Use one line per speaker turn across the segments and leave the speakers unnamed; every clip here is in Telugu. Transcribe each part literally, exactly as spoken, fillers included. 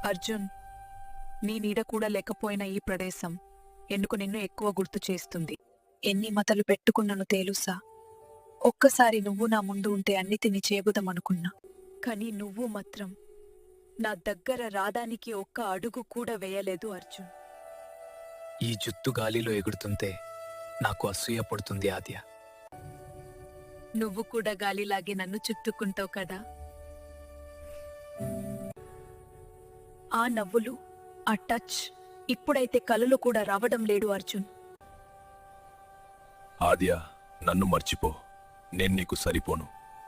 అర్జున్, నీ నీడ కూడా లేకపోయిన ఈ ప్రదేశం ఎందుకు నిన్ను ఎక్కువ గుర్తు చేస్తుంది. ఎన్ని మతలు పెట్టుకున్నాను తేలుసా. ఒక్కసారి నువ్వు నా ముందు ఉంటే అన్ని తిని చేబుదమనుకున్నా. కానీ నువ్వు మాత్రం నా దగ్గర రాదానికి ఒక్క అడుగు కూడా వేయలేదు అర్జున్.
ఈ జుత్తు గాలిలో ఎగురుతుంటే నాకు అసూయ పడుతుంది ఆద్య.
నువ్వు కూడా గాలిలాగే నన్ను చుట్టుకుంటావు కదా. ఆ నవ్వులు, ఆ టచ్ ఇప్పుడైతే కలలు కూడా రావడం లేడు అర్జున్.
ఆద్య, నన్ను మర్చిపో. నేను నీకు సరిపోను.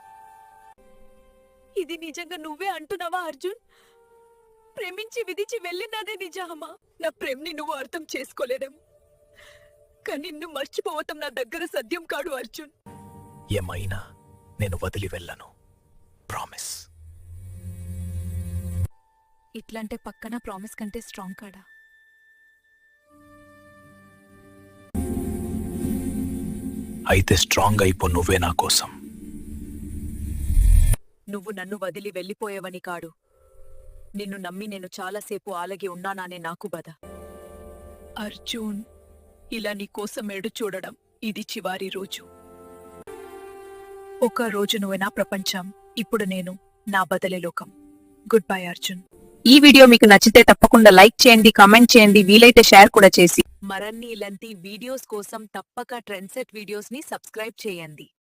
ఇది నిజంగా నువ్వే అంటున్నావా అర్జున్? ప్రేమించి విధించి వెళ్ళినదే నిజమా? నా ప్రేమని నువ్వు అర్థం చేసుకోలేదేమో, కానీ నిన్ను మర్చిపోవటం నా దగ్గర సత్యం కాడు అర్జున్.
ఏమైనా నేను వదిలి వెళ్ళను, ప్రామిస్.
ఇట్లాంటే పక్కన ప్రామిస్ కంటే స్ట్రాంగ్ కాడా?
అయితే స్ట్రాంగ్ అయిపో నువ్వే నా కోసం.
నువ్వు నన్ను వదిలి వెళ్ళిపోయేవని కాడు, నిన్ను నమ్మి నేను చాలాసేపు ఆలగి ఉన్నానానే నాకు బాధ. అర్జున్, ఇలా నీ కోసం ఎడు చూడడం ఇది చివరి రోజు. ఒక రోజు నువ్వే నా ప్రపంచం, ఇప్పుడు నేను నా బదలే లోకం. Good bye Arjun.
ఈ వీడియో మీకు నచ్చితే తప్పకుండా లైక్ చేయండి, కామెంట్ చేయండి, వీలైతే షేర్ కూడా చేసి
మరన్ని ఇలాంటి వీడియోస్ కోసం తప్పక ట్రెండ్సెట్ వీడియోస్ ని సబ్స్క్రైబ్ చేయండి.